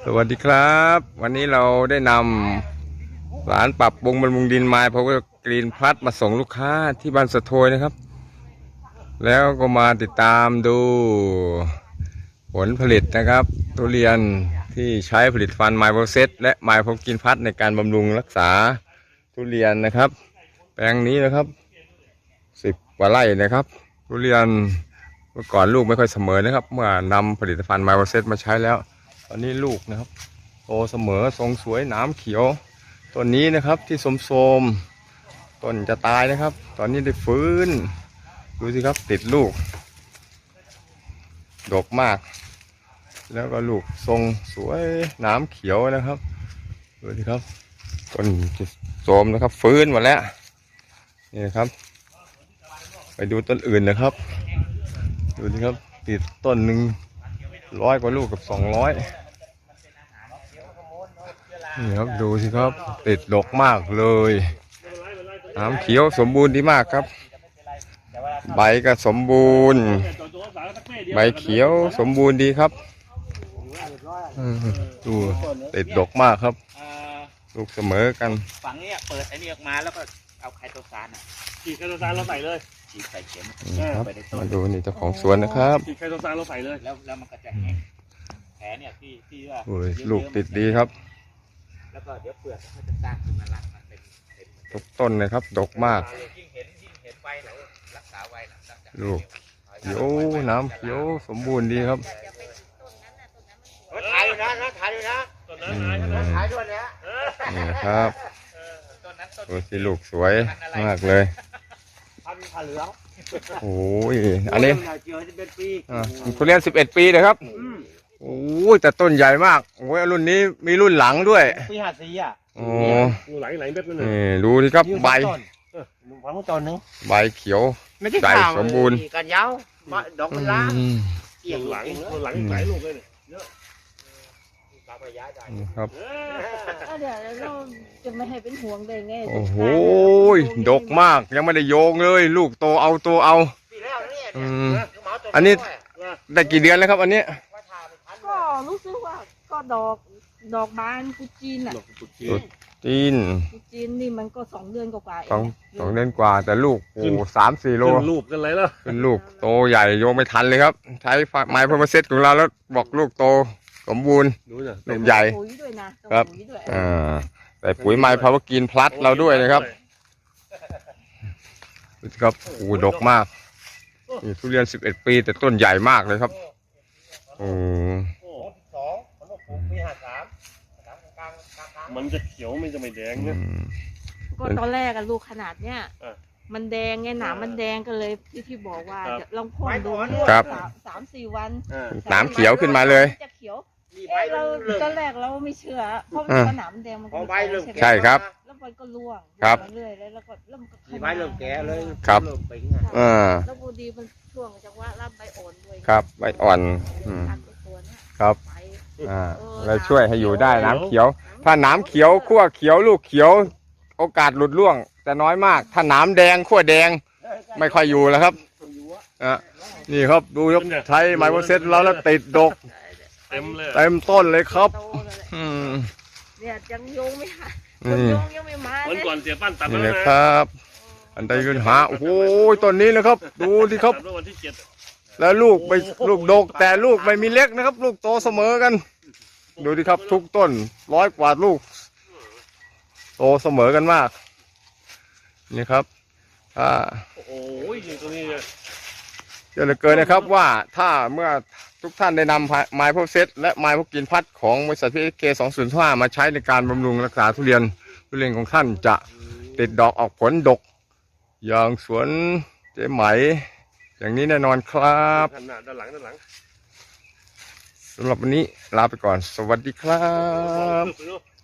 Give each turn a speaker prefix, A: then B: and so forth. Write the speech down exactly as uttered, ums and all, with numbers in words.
A: สวัสดีครับวันนี้เราได้นำสารปรับปรุงบำรุงดินไม้พาวเวอร์กรีนพลัสมาส่งลูกค้าที่บ้านสะโทยนะครับแล้วก็มาติดตามดูผลผลิตนะครับทุเรียนที่ใช้ผลิตภัณฑ์ไมโครเซตและไมโครกรีนพลัสในการบำรุงรักษาทุเรียนนะครับแปลงนี้นะครับสิบกว่าไร่นะครับทุเรียนเมื่อก่อนลูกไม่ค่อยเสมอนะครับเมื่อนำผลิตภัณฑ์ไมโครเซตมาใช้แล้วตอนนี้ลูกนะครับโตเสมอทรงสวยหนามเขียวต้นนี้นะครับที่โทรมๆต้นจะตายนะครับตอนนี้ได้ฟื้นดูสิครับติดลูกดกมากแล้วก็ลูกทรงสวยหนามเขียวนะครับดูสิครับต้นโทรมนะครับฟื้นหมดแล้วนี่นะครับไปดูต้นอื่นนะครับดูสิครับติดต้นหนึ่งร้อยกว่าลูกกับสองร้อยนี่ครับดูสิครับติดดกมากเลยน้ำเขียวสมบูรณ์ดีมากครับใบก็สมบูรณ์ใบเขียวสมบูรณ์ดีครับดูติดดกมากครับลูกเสมอกัน
B: ฝั่งนี้เปิดไอ้นี่ออกมาแล้วก็เอาไคโตซานอ่ะ
C: ฉีดไคโตซานเราใส่เลย
B: ฉีดใส่เข็ม
A: ครับมาดูนี่เจ้าของสวนนะครับ
C: ฉีดไคโตซานเราใส่เลย
B: แล้วแล้วมันก็จะแห้งแผลเนี่ยที่ที่ว่า
A: ลูกติดดีครับ
B: แล้วก็เดี๋ยวเปลือกมันจะสร้างขึ้นมารักมันเป็น
A: ทุกต้นเลยครับดกมาก
B: ยิ่งเห็นยิ่งเห็นใบเรารักษาไว้หลังจาก
A: ลูกเขียวน้ำเขียวสมบูรณ์ดีครับ
B: ถ่ายอยู่นะนะถ่ายอยู่นะ
C: ต้นนั้น
B: ถ่ายด้วยนะ
A: นี่ครับดูสิลูกสวยมากเลย
B: พันธุ์ผ่าเหลือง
A: โอ้ยอันนี้ทุเรียนสิบเอ็ดปีเลยครับโอ้ยแต่ต้นใหญ่มากโอ้ยรุ่นนี้มีรุ่นหลังด้วย
B: ปีห้าสี่อ่ะ
A: โอ้
C: หลายหลายเม็ดเลย
A: นี่ดูดิครับใบ
B: ฟังต้นนึง
A: ใบเขียวใหญ่สมบูรณ์
B: กันยาวดอกมันล้า
C: เกี่ยงหลังหลังหลายลูกเลยเยอะ
A: ครับ
D: เดี๋ยวเราจะไม่ให้เป็นห่วงเลยไง
A: โอ้โหดกมากยังไม่ได้โยงเลยลูกโตเอาตัวเอาอันนี้ได้กี่เดือนแล้วครับอันนี้
D: ก็รู้สึกว่าก็ดอกดอกบานกุจีนอ่ะ
A: กุจีน
D: กุจีนนี่มันก็สองเดือนกว่า
A: สองสองเดือนกว่าแต่ลูกโอ้สามสี่โล
C: ลูกกันเลยแล้ว
A: เป็นลูกโตใหญ่โยงไม่ทันเลยครับใช้ไม้พรมเซตของเราแล้วบอกลูกโตสมบูรณ์ลูกใหญ่ครับอ่าแต่ปุ๋ยไม้พาวเวอร์กรีนพลัสเราด้วยนะครับครับโอ้ดกมากนี่ทุเรียนสิบเอ็ดปีแต่ต้นใหญ่มากเลยครับโอ้
C: มันจะเขียวมันจะไม่แดงเนี่ย
D: ก็ตอนแรกอะลูกขนาดเนี้ยมันแดงไงหนามมันแดงก็เลยที่ที่บอกว่าลองพ่นดูสามสี่วัน
A: หนามเขียวขึ้นมาเลย
D: จะเขียวเราตอนแรกเราไม่เชื่อเพราะมันหนามแดงมันก็
A: ใช่ครับ
D: แล้วมันก็ร่วง
A: ครับ
D: เรื่อยแล้วก็เริ่ม
B: ใบเริ่มแก่เลย
A: ครับ
D: อ่าแล้วพอดีมันช่วงจังหวะรับใบอ่อนด้วย
A: ครับใบอ่อนครับอ่าแล้วช่วยให้อยู่ได้น้ำเขียวถ้าน้ำเขียวขั้วเขียวลูกเขียวโอกาสหลุดร่วงแต่น้อยมากถ้าน้ำแดงขั้วแดงไม่ค่อยอยู่แล้วครับอ่ะนี่ครับดูยกใช้ไมโครเซตแล้วแล้วติดดก
C: เต็มเลย
A: เต็มต้นเลยครับอืม
D: เนี่ยยังโยงไม่หาคนโยงยังไม่มา
C: วันก่อนเสียปั้นตัด
A: นี่นะครับอันใดขึ้นหาโอ้โหต้นนี้นะครับดูสิครับแล้วลูกไปลูกดกแต่ลูกไม่มีเล็กนะครับลูกโตเสมอกันดูดิครับทุกต้นร้อยกว่าลูกโตเสมอกันมากนี่ครับอ่า
C: โอ้ยตัวนี้
A: เยอะเหลือเกินนะครับว่าถ้าเมื่อทุกท่านได้นำไม้พวกเซตและไม้พวกกินพัดของบริษัทพีเคสองศูนย์ห้ามาใช้ในการบำรุงรักษาทุเรียนทุเรียนของท่านจะติดดอกออกผลดกอย่างสวนเจ๊ไหมอย่างนี้แน่นอนครับ
C: ด้านหลังด้านหลัง
A: สำหรับวันนี้ลาไปก่อนสวัสดีครับ